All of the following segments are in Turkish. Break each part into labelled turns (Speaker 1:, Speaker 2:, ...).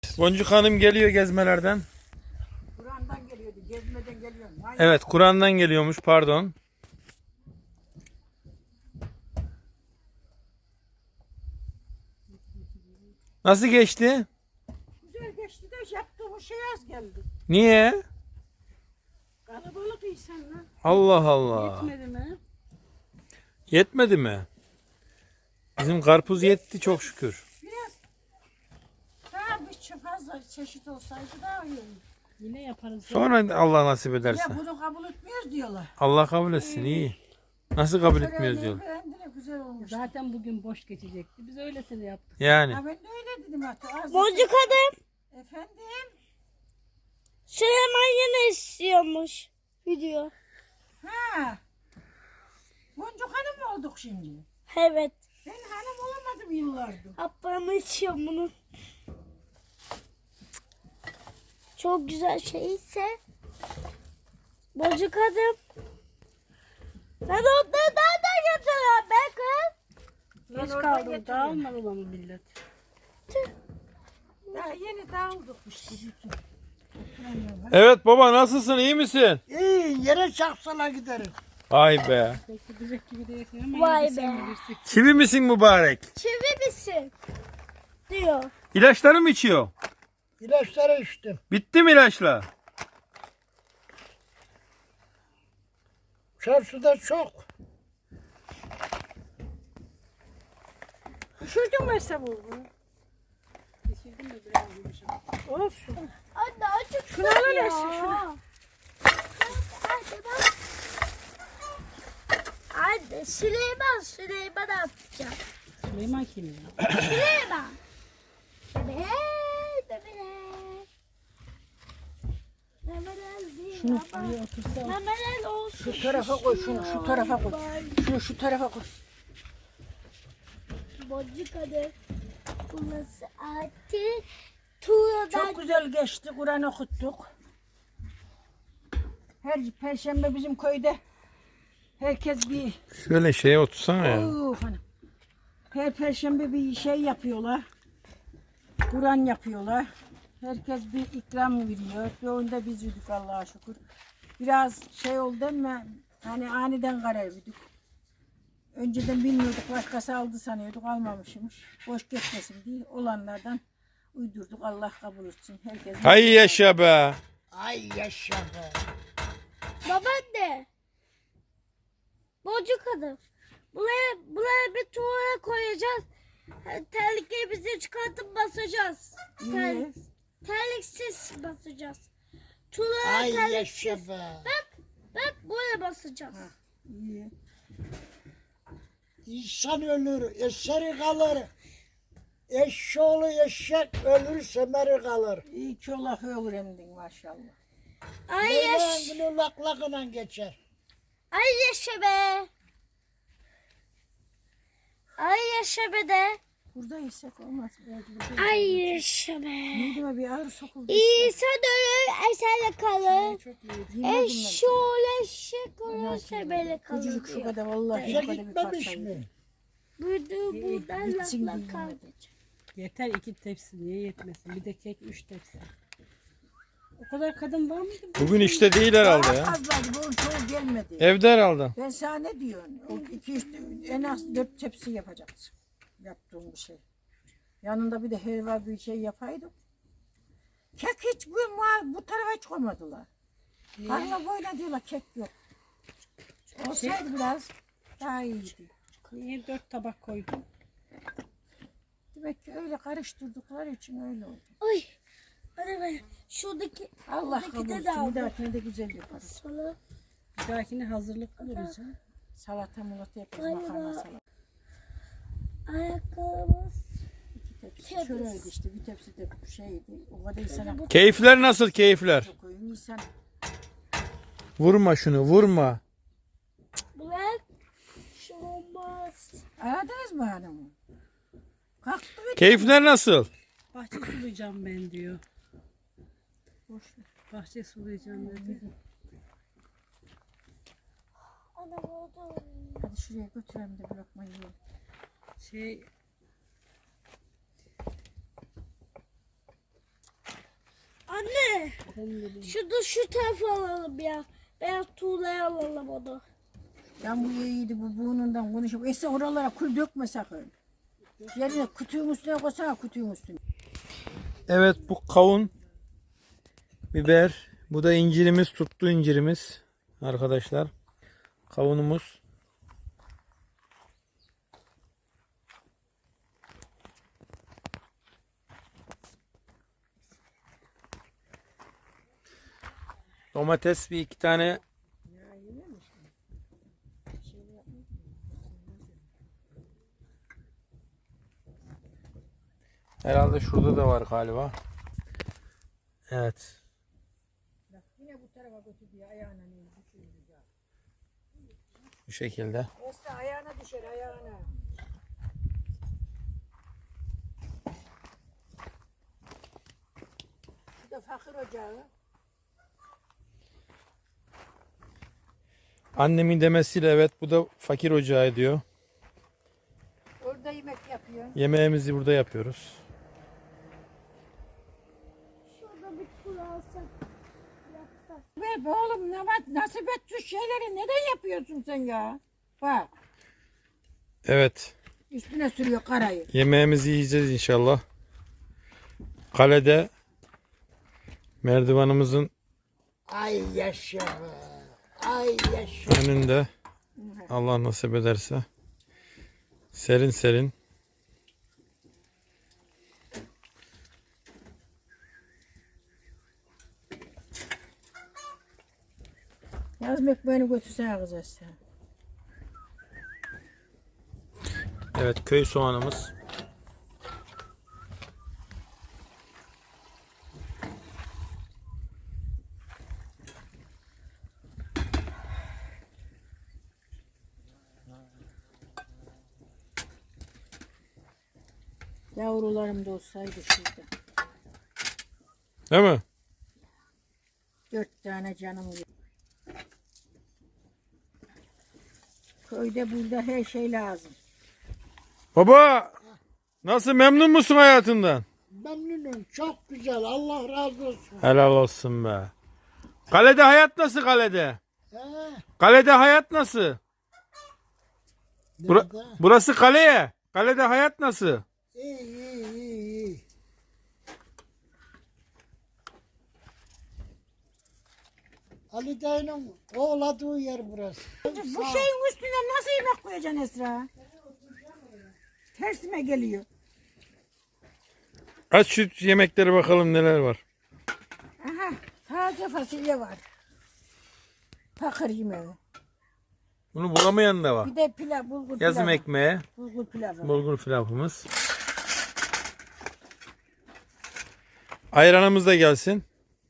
Speaker 1: Boncuk Hanım geliyor gezmelerden.
Speaker 2: Kur'an'dan geliyordu, gezmeden geliyor.
Speaker 1: Evet, Kur'an'dan geliyormuş, pardon. Nasıl geçti?
Speaker 2: Güzel geçti de yaptığımız şey az geldi.
Speaker 1: Niye?
Speaker 2: Kalabalık insanlar.
Speaker 1: Allah Allah.
Speaker 2: Yetmedi mi?
Speaker 1: Yetmedi mi? Bizim karpuz yetti çok şükür.
Speaker 2: Biraz daha bir fazla çeşit olsaydı daha iyi olur.
Speaker 3: Yine yaparız.
Speaker 1: Sonra Allah nasip ederse.
Speaker 2: Ya bunu kabul etmiyoruz diyorlar.
Speaker 1: Allah kabul etsin, iyi. Nasıl kabul etmiyoruz
Speaker 2: Törenleri
Speaker 1: diyor.
Speaker 2: beğendiler, güzel olmuş.
Speaker 3: Zaten bugün boş geçecekti. Biz öylesine yaptık.
Speaker 1: Yani.
Speaker 2: Ha ben de öyle dedim hatta.
Speaker 4: Boncuk Hanım,
Speaker 2: Efendim?
Speaker 4: Süleyman yine istiyormuş video.
Speaker 2: Ha. Boncuk hanım mı olduk şimdi?
Speaker 4: Evet.
Speaker 2: Ben hanım olamadım yıllardır.
Speaker 4: Ablam içiyor bunu. Çok güzel şey ise Boncuk Hanım. Sen onları nereden getiriyorsun be kız?
Speaker 2: Ben
Speaker 3: Geç
Speaker 2: oradan
Speaker 3: kaldım.
Speaker 2: getiriyorum.
Speaker 3: Dağılmadı mı millet?
Speaker 2: Daha yeni dağıldık işte.
Speaker 1: Evet baba, nasılsın, iyi misin?
Speaker 5: İyi, yere çarpsana giderim.
Speaker 1: Vay be.
Speaker 3: Pek gidecek gibi değilsin ama
Speaker 4: Vay
Speaker 3: yine de sen
Speaker 4: be.
Speaker 3: bilirsin.
Speaker 1: Çivi misin mübarek?
Speaker 4: Çivi misin? Diyor.
Speaker 1: İlaçları mı içiyor?
Speaker 5: İlaçları içtim.
Speaker 1: Bitti mi ilaçlar?
Speaker 5: Çarşıda çok.
Speaker 2: Üşürdün mü hesabı?
Speaker 3: Geçirdim de biraz yumuşak.
Speaker 2: Olsun.
Speaker 4: Anne acık
Speaker 2: Şunu alıversin, şunu.
Speaker 4: Hadi bak. Anne Süleyman yapacak.
Speaker 3: Süleyman kim ya?
Speaker 4: Süleyman. Bebeler.
Speaker 3: Şunu şuraya otursa
Speaker 4: Memeler olsun.
Speaker 2: Şu tarafa koy şunu, şu tarafa koy. Şunu şu tarafa koy.
Speaker 4: Boncuk Hanım. Burası artık Tuğra'dan.
Speaker 2: Çok güzel geçti, Kur'an okuttuk. Her perşembe bizim köyde herkes bir
Speaker 1: Şöyle şeye otursana ya.
Speaker 2: hanım. Her perşembe bir şey yapıyorlar. Kur'an yapıyorlar. Herkes bir ikram veriyor. Bir oyunda biz yedik Allah'a şükür. Biraz şey oldu ama hani aniden karar verdik. Önceden bilmiyorduk, başkası aldı sanıyorduk, almamışmış. Boş geçmesin diye olanlardan uydurduk. Allah kabul etsin. Herkes.
Speaker 1: Hay yaşa be.
Speaker 5: Ay yaşa be.
Speaker 4: Babaanne. Boncuk Hanım. Buraya bir tuğra koyacağız. Terliklerimizi çıkartıp basacağız.
Speaker 2: İyi.
Speaker 4: Terliksiz basacağız. Tuğra
Speaker 5: Ay
Speaker 4: terliksiz.
Speaker 5: yaşa be.
Speaker 4: Bak böyle basacağız.
Speaker 2: İyi.
Speaker 5: İnsan ölür, eseri kalır. Eşşoğlu eşek ölür, semeri kalır.
Speaker 2: İyi ki ola öğrendin maşallah.
Speaker 4: Ay yaş.
Speaker 5: Böyle laklakla geçer.
Speaker 4: Ay yaşa be. Ay yaşa be de.
Speaker 2: Burada isek olmaz.
Speaker 4: Ay yaşa be.
Speaker 2: Mideme bir ağrı sokuldu.
Speaker 4: İnsan ölür eserle kalır.
Speaker 3: çok iyi.
Speaker 2: Yemedim
Speaker 4: Eşşoğlu eşek olur sebele kalır
Speaker 2: Küçücük şu
Speaker 4: diyor.
Speaker 2: kadar vallahi
Speaker 5: İşe
Speaker 2: şu kadar bir
Speaker 5: gitmemiş
Speaker 2: parça.
Speaker 5: mi?
Speaker 4: Buradan
Speaker 2: Gitsin
Speaker 4: lafla
Speaker 2: diye
Speaker 4: kalmayacak.
Speaker 3: Yeter 2 tepsi. Niye yetmesin? Bir de kek 3 tepsi. O kadar kadın var mıydı?
Speaker 1: Bugün işte değil herhalde
Speaker 2: Daha
Speaker 1: ya.
Speaker 2: fazlaydı. Bu çoğu gelmedi.
Speaker 1: Evde herhalde.
Speaker 2: Ben sana ne diyorum? O iki, üç, en az 4 tepsi yapacaksın. Yaptığım bir şey. Yanında bir de helva bir şey yapaydım. Kek hiç bu tarafa hiç koymadılar. Hala böyle diyorlar kek yok. Olsaydı biraz daha iyiydi.
Speaker 3: Niye 4 tabak koydun?
Speaker 2: Demek ki öyle karıştırdıkları için öyle oldu.
Speaker 4: Ay. Hadi ben şuradaki
Speaker 2: Allah
Speaker 4: Buradaki
Speaker 2: kabul
Speaker 4: de
Speaker 2: etsin.
Speaker 4: dağıldı.
Speaker 2: Bir dahakine de güzel yaparız.
Speaker 4: sana
Speaker 3: Bir dahakine hazırlıklı olacağım.
Speaker 2: Salata mulata yaparız.
Speaker 4: Ay
Speaker 2: Makarna
Speaker 4: ya.
Speaker 2: salata.
Speaker 4: ayakkabımız.
Speaker 2: İki tepsi.
Speaker 4: Temiz.
Speaker 2: Şöyleydi işte. Bir tepsi de şeydi. O kadar insana
Speaker 1: Keyifler nasıl, keyifler?
Speaker 2: koyun. İnsan
Speaker 1: Vurma şunu, vurma.
Speaker 4: Bırak. Şu olmaz.
Speaker 2: aradınız mı hanımı? Kalktı ve
Speaker 1: Keyifler nasıl?
Speaker 3: Bahçe sulayacağım ben diyor.
Speaker 2: boş ver.
Speaker 3: Bahçe sulayacağım dedi.
Speaker 4: Ana oldu.
Speaker 2: Hadi şuraya götürelim de bir lokma yiyelim.
Speaker 3: Şey
Speaker 4: Anne. Şu tarafa alalım ya. Beyaz tuğlaya alalım onu.
Speaker 2: Ben bu iyiydi bu burnundan konuşup. Ese oralara kul dökme sakın. Yerine kutunun üstüne koysana kutunun üstüne.
Speaker 1: Evet, bu kavun, biber, bu da incirimiz, tuttu incirimiz arkadaşlar. Kavunumuz. Domates bir iki tane. Herhalde şurada da var galiba. Evet.
Speaker 2: Yine bu tarafa götür diye ayağına
Speaker 1: Bu şekilde.
Speaker 2: Ese ayağına düşer ayağına. Bu da fakir ocağı.
Speaker 1: Annemin demesiyle evet, bu da fakir ocağı diyor.
Speaker 2: Orada yemek yapıyor.
Speaker 1: Yemeğimizi burada yapıyoruz.
Speaker 4: Şurada bir tuğla alsak. Yapsak.
Speaker 2: Ver be oğlum nasip et şu şeyleri neden yapıyorsun sen ya? Bak
Speaker 1: Evet.
Speaker 2: üstüne sürüyor karayı.
Speaker 1: Yemeğimizi yiyeceğiz inşallah. Kalede merdivanımızın
Speaker 5: Ay yaşa be. Ay yaşa.
Speaker 1: önünde, Allah nasip ederse, serin serin
Speaker 2: Yazım ekmeğini götürsene kız Esra.
Speaker 1: evet, köy soğanımız.
Speaker 2: Yavrularım da olsaydı şurada.
Speaker 1: Değil mi?
Speaker 2: 4 tane canım var. Köyde burada her şey lazım.
Speaker 1: Baba, nasıl, memnun musun hayatından?
Speaker 5: Memnunum. Çok güzel. Allah razı olsun.
Speaker 1: Helal olsun be. Kalede hayat nasıl kalede?
Speaker 5: He?
Speaker 1: Kalede hayat nasıl?
Speaker 5: Nerede?
Speaker 1: Burası kaleye. Kalede hayat nasıl?
Speaker 5: İyi iyi iyi iyi. Ali dayının oğladığı yer burası.
Speaker 2: Bu şeyin üstüne nasıl yemek koyacaksın Esra? Tersime geliyor.
Speaker 1: Aç şu yemekleri bakalım neler var.
Speaker 2: Aha, taze fasulye var. Pakır yemeği.
Speaker 1: Bunu bulamayan da var.
Speaker 2: Bir de pilav, bulgur
Speaker 1: Yazım
Speaker 2: pilavı.
Speaker 1: ekmeği,
Speaker 2: Bulgur pilavı.
Speaker 1: bulgur pilavımız. Ayranımız da gelsin.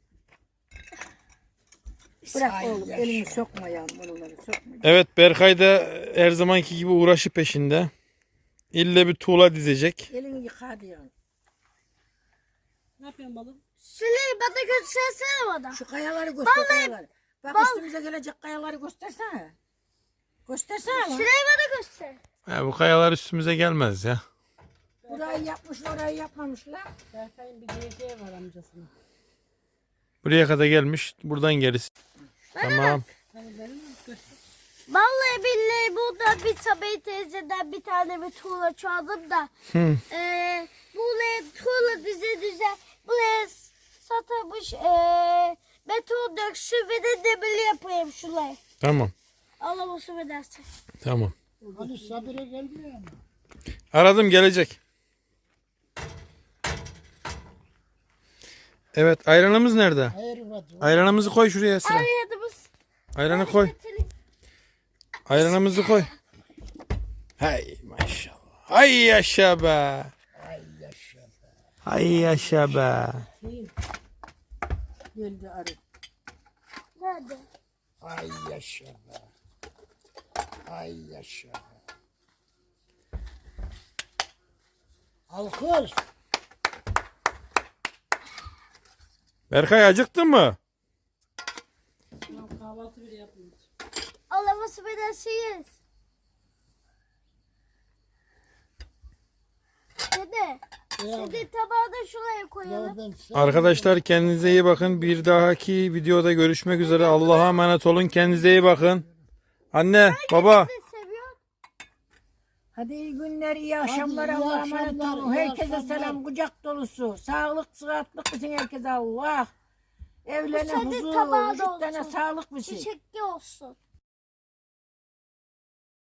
Speaker 2: Bırak
Speaker 5: Ay
Speaker 2: oğlum,
Speaker 5: yaşa.
Speaker 2: elini sokma yavrum, oraları sokma.
Speaker 1: Evet, Berkay da her zamanki gibi uğraşı peşinde. İlle bir tuğla dizecek.
Speaker 2: Elini yıka hadi yavrum.
Speaker 3: Ne yapıyorsun balım?
Speaker 4: Süleyman bana göstersene bana.
Speaker 2: Şu kayaları göster, kayaları. Bak üstümüze gelecek kayaları göstersene. Göstersene lan.
Speaker 4: Süleyman bana göster.
Speaker 1: Ya, bu kayalar üstümüze gelmez ya.
Speaker 2: Burayı yapmışlar, orayı yapmamışlar.
Speaker 3: Berkay'ın bir diyeceği var amcasının.
Speaker 1: Buraya kadar gelmiş. Buradan gerisi. Tamam.
Speaker 3: Hani benim mi göster?
Speaker 4: Vallahi billahi burada bir Sabiha teyzeden bir tane bir tuğla çaldım da.
Speaker 1: Hı.
Speaker 4: Buraya tuğla düze buraya satılmış beton döksün ve de demir yapayım şuraya.
Speaker 1: Tamam.
Speaker 4: Allah olsun edersin.
Speaker 1: Tamam.
Speaker 5: Ali Sabire gelmiyor mu?
Speaker 1: Aradım, gelecek. Evet, ayranımız nerede?
Speaker 5: Hayır var.
Speaker 1: Ayranımızı koy şuraya Esra.
Speaker 4: Aradığımız
Speaker 1: Ayranı koy. Ayranımızı koy. Hay maşallah. Hay yaşa be.
Speaker 5: Ay yaşa be.
Speaker 1: Hay yaşa be.
Speaker 2: Geldi arı.
Speaker 4: nerede?
Speaker 5: Ay yaşa be. Ay yaşa be. Alkış.
Speaker 1: Berkay, acıktın mı?
Speaker 3: Tamam, kahvaltı bile yapmıyoruz.
Speaker 4: Allah olsun edersiniz. Dede Hadi tabağı da şuraya
Speaker 5: Ya
Speaker 4: koyalım.
Speaker 5: ben sen-
Speaker 1: Arkadaşlar kendinize iyi bakın. Bir dahaki videoda görüşmek üzere. Allah'a emanet olun. Kendinize iyi bakın. Anne, baba.
Speaker 4: Ne seviyor?
Speaker 2: Hadi iyi günler, iyi akşamlar.
Speaker 5: iyi
Speaker 2: Allah'a emanet
Speaker 5: akşamlar,
Speaker 2: olun.
Speaker 5: iyi
Speaker 2: Herkese
Speaker 5: akşamlar.
Speaker 2: selam, kucak dolusu. Sağlık, sıhhatlik bilsin herkese Allah. Evlerine
Speaker 4: Hadi
Speaker 2: huzur,
Speaker 4: tabağı da
Speaker 2: vücutlarına
Speaker 4: olsun.
Speaker 2: sağlık bilsin.
Speaker 4: Çiçekli olsun.